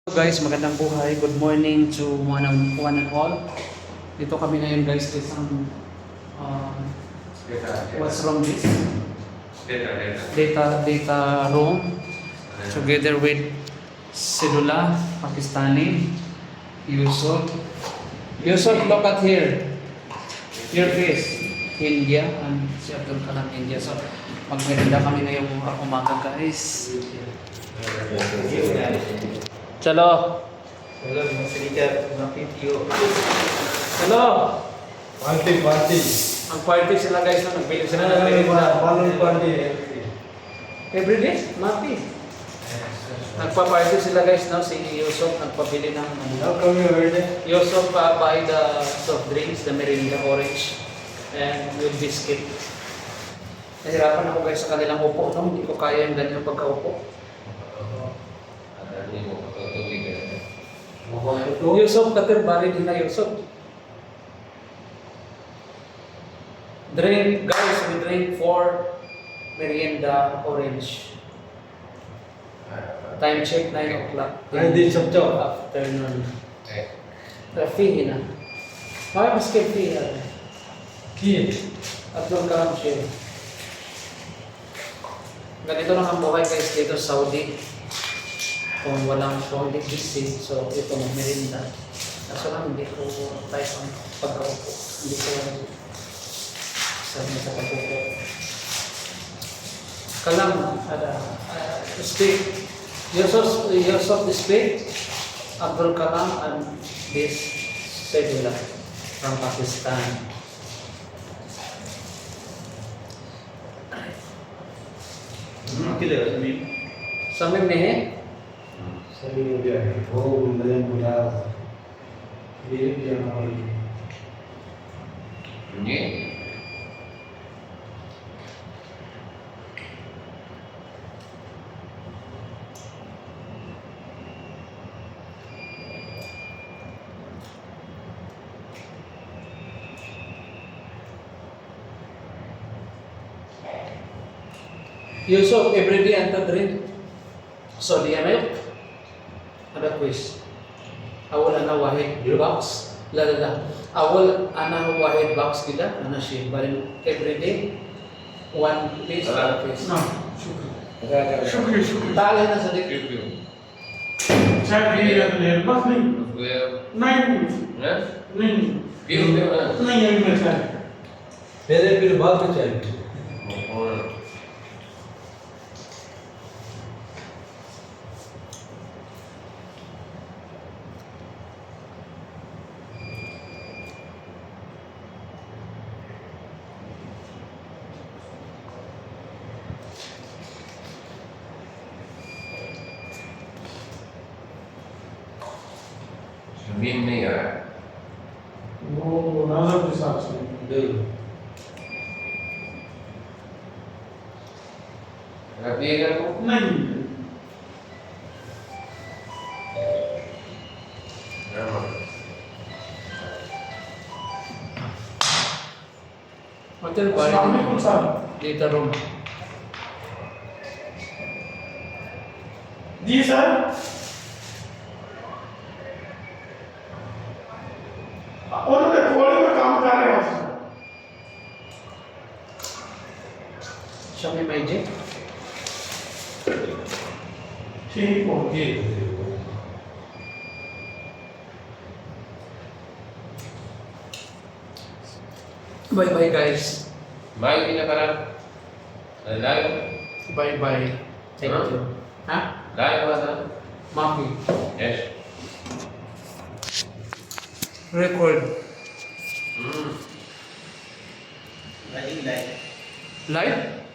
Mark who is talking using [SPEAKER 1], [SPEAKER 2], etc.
[SPEAKER 1] Guys, magandang buhay. Good morning to one and all. Dito kami ngayon guys sa isang what's wrong this? Data room together with Sedula, Pakistani, Yusuf. Yusuf, look at here. Your face. India and si Abdul Kalam India. So, magmerinda kami ngayong umaga guys. Chalo.
[SPEAKER 2] Hello, Mr. Napitio.
[SPEAKER 1] Hello.
[SPEAKER 2] Party.
[SPEAKER 1] Ang party sila guys na nagbili sila ng
[SPEAKER 2] Balloon party.
[SPEAKER 1] everyday, mati. Nagpa-party sila guys now, si Yusuf nagpabili ng
[SPEAKER 2] How come you heard it?
[SPEAKER 1] Yusuf buy the soft drinks, the Mirinda orange and with biscuit. Nahirapan ako guys sa kanilang upo, no? Hindi ko kaya yung ganyan pagkaupo. Yusuf, katerbari din na Yusuf. Drink, guys, we drink 4 merienda orange. Time check 9 o'clock.
[SPEAKER 2] Hindi, chop.
[SPEAKER 1] Afternoon. Fee na. Bakit mas fee na?
[SPEAKER 2] Kid.
[SPEAKER 1] Abdul Kalam siya. Ganito lang ang buhay guys dito sa Saudi. Kung hindi busy, so ito merienda. Kaso lang hindi ko type ang pagkaupo. Hindi ko sabi sa pagkaupo. Kalam, speak. Yusuf speak. Abdul Kalam and this Sedula from Pakistan. Samim ne hai?
[SPEAKER 2] सभी हो गया है वो बुलंद बुला ये जाना वाली
[SPEAKER 3] ये
[SPEAKER 1] Yusuf, every day anta drink soda milk. Ada quiz. Awal ana wahid box. La. Awal ana wahid box kita, ana shi. But every day one piece.
[SPEAKER 2] No, शुक्रिया
[SPEAKER 1] Tali na sa dik.
[SPEAKER 2] चाय पी रहे हैं बस नहीं नहीं नहीं अभी मैं चाय पहले फिर बाद में चाय
[SPEAKER 3] जमीन नहीं आ रहा
[SPEAKER 2] वो नजर के हिसाब से
[SPEAKER 3] रखिएगा तो
[SPEAKER 2] नहीं
[SPEAKER 1] Hotel
[SPEAKER 2] सामने
[SPEAKER 1] balik
[SPEAKER 2] कौन सा
[SPEAKER 1] data room.
[SPEAKER 2] जी सर उन्होंने कोड़ी में काम कर रहे हैं
[SPEAKER 1] Show me my J.
[SPEAKER 2] ठीक हो गए
[SPEAKER 1] Bye guys.
[SPEAKER 3] माइक भी ना करा live
[SPEAKER 1] Bye. Thank
[SPEAKER 3] Huh?
[SPEAKER 1] you. Ha?
[SPEAKER 3] Live हुआ था
[SPEAKER 1] Maki.
[SPEAKER 3] Yes
[SPEAKER 1] Record.
[SPEAKER 3] हम्म
[SPEAKER 1] Live?